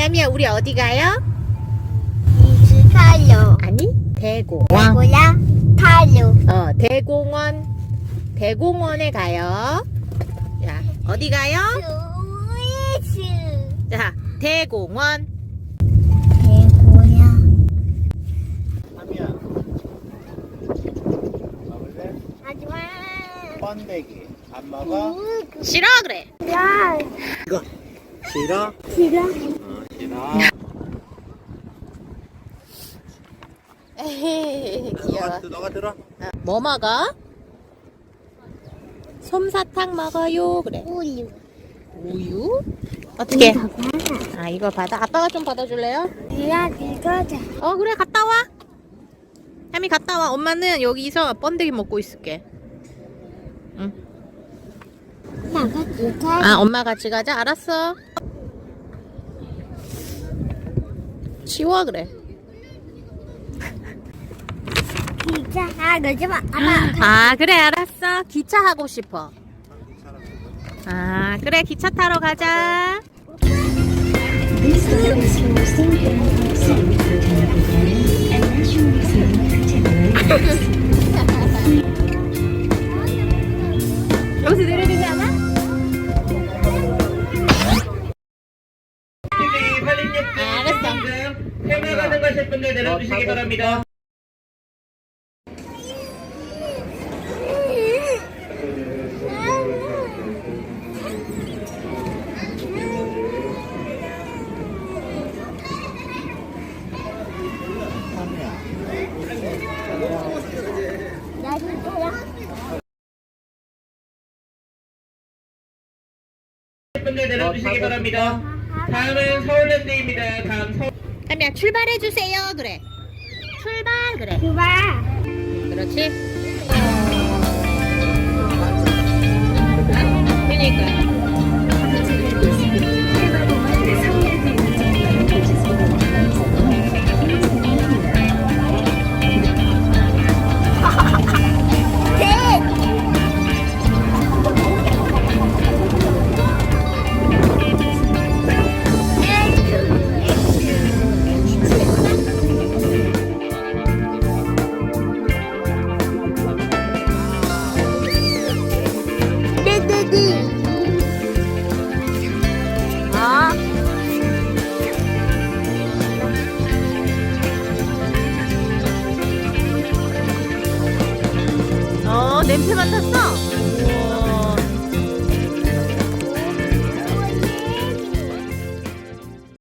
타미야, 우리 어디 가요? 이스타요. 아니, 대공원. 뭐야? 타요. 대공원. 대공원에 가요. 자, 어디 가요? 스위스. 자, 대공원. 대고야. 타미야, 먹을래? 하지마. 번데기 안 먹어? 싫어 그래. 야. 이거 싫어? 싫어. 싫어. 에헤이, 귀여워. 너가 들어. 뭐 먹어? 솜사탕 먹어요. 그래. 우유. 우유? 어떻게? 아, 이거 받아. 아빠가 좀 받아줄래요? 야, 이거자. 그래, 갔다 와. 햄이 갔다 와. 엄마는 여기서 번데기 먹고 있을게. 응. 나가 주자. 아, 엄마 같이 가자. 알았어. 치워 그래. 진짜. 아, 그러지 마. 아, 그래, 알았어. 기차 하고 싶어. 아, 그래, 기차 타러 가자. This stop is for Singapore Pacific Contemporary and National Museum Contemporary. 여기서 내려야 되지 않아? 알았어. 생각하는 것일 분들 내려주시기 바랍니다. 분들 내려주시기 바랍니다. 다음은 서울랜드입니다. 다음 서울. 햄이야, 출발해 주세요. 그래. 출발 그래. 그봐. 그렇지.